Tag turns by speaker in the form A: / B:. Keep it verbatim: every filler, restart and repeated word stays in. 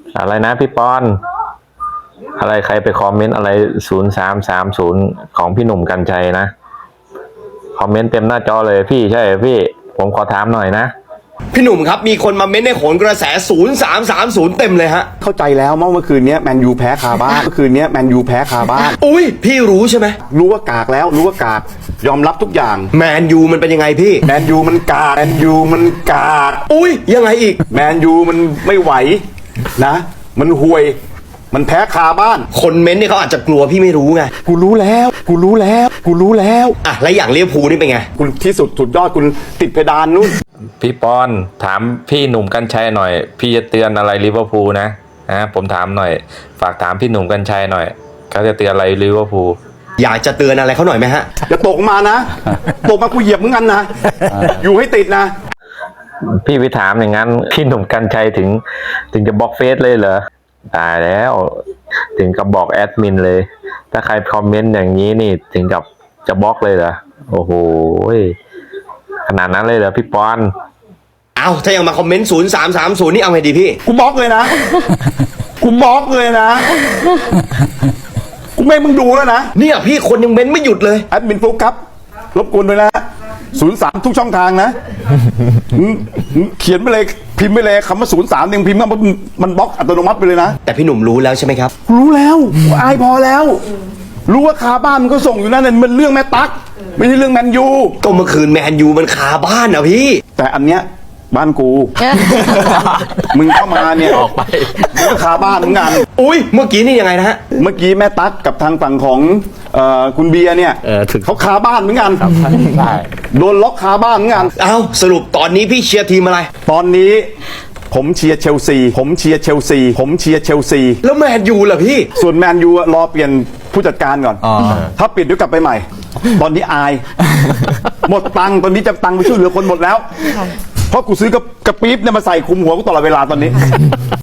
A: อะไรนะพี่ปอนอะไรใครไปคอมเมนต์อะไรศูนย์สามสามศูนย์ของพี่หนุ่มกรรชัยนะคอมเมนต์เต็มหน้าจอเลยพี่ใช่พี่ผมขอถามหน่อยนะ
B: พี่หนุ่มครับมีคนมาเม้นในโขนกระแสศูนย์สามสามศูนย์เต็มเลยฮะ
C: เข้าใจแล้วเมื่อคืนนี้แมนยูแพ้คาบ้านเมื่อคืนนี้แมนยูแพ้คาบ้าน
B: อุ้ยพี่รู้ใช่ไหม
C: รู้ว่ากากแล้วรู้ว่ากากยอมรับทุกอย่าง
B: แมนยูมันเป็นยังไงพี่
C: แมนยูมันกากแมนยูมันกาก
B: อุ้ยยังไงอีก
C: แมนยูมันไม่ไหวนะมันห่วยมันแพ้คาบ้าน
B: คนเม้นเนี่ยเขาอาจจะกลัวพี่ไม่รู้ไง
C: กูรู้แล้วกูรู้แล้วกูรู้แล้ว
B: อ่ะแล้วอย่างเลี้ยวภูนี่เป็นไง
C: คุณที่สุดสุดยอดคุณติดเพดานนู่น
A: พี่ปอนถามพี่หนุ่มกรรชัยหน่อยพี่จะเตือนอะไรลิเวอร์พูลนะนะผมถามหน่อยฝากถามพี่หนุ่มกรรชัยหน่อยเขาจะเตือนอะไรลิเวอร์พูล
B: อยากจะเตือนอะไรเขาหน่อยไหมฮะ
C: อย่าตกมานะตกมากูเหยียบมึงกันนะอยู่ให้ติดนะ
A: พี่ไปถามอย่างนั้นพี่หนุ่มกรรชัยถึงถึงจะบล็อกเฟซเลยเหรอตายแล้วถึงกับบอกแอดมินเลยถ้าใครคอมเมนต์อย่างนี้นี่ถึงกับจะบล็อกเลยเหรอโอ้โหขนาดนั้นเลยเหรอพี่ปอน
B: เอาถ้ายังมาคอมเมนต์ศูนย์สามสามศูนย์นี่เอาไงดีพี่
C: กูบล็อกเลยนะกูบล็อกเลยนะกูไม่มึงดูแล้วนะ
B: เนี่ยพี่คนยังเม้นไม่หยุดเลย
C: แอดมินฟลุ๊กครับรบกวนด้วยนะศูนย์สามทุกช่องทางนะเขียนไปเลยพิมพ์ไปเลยคำว่าศูนย์สามหนึ่งพิมพ์มันมันบล็อกอัตโนมัติไปเลยนะ
B: แต่พี่หนุ่มรู้แล้วใช่ไหมครับ
C: รู้แล้วอายพอแล้วรู้ว่าคาบ้านมันก็ส่งอยู่นั่นเนี่ยมันเรื่องแม่ตั๊กไม่ใช่เรื่องแมนยู
B: ก็เมื่อคืนแมนยูมันคาบ้านนะพี่
C: แต่อันเนี้ยบ้านกูมึงเข้ามาเนี่ยออกไปมึงก็คาบ้านมึงงาน
B: อุ้ยเมื่อกี้นี่ยังไงนะฮะ
C: เมื่อกี้แม่ตั๊กกับทางฝั่งของคุณเบียร์เนี่ยเขาคาบ้านเหมือนกันโดนล็อกคาบ้านเหมือนกัน
B: เอ้าสรุปตอนนี้พี่เชียร์ทีมอะไร
C: ตอนนี้ผมเชียร์เชลซีผมเชียร์เชลซีผมเชียร์เชลซี
B: แล้วแมนยูล่ะพี่
C: ส่วนแมนยูรอเปลี่ยนผู้จัดการก่อนถ้าปิดเดี๋ยวกลับไปใหม่ตอนนี้อายหมดตังค์ตอนนี้จะตังค์ไปช่วยเหลือคนหมดแล้วเพราะกูซื้อกระปี๊บเนี่ยมาใส่คุมหัวกูตลอดเวลาตอนนี้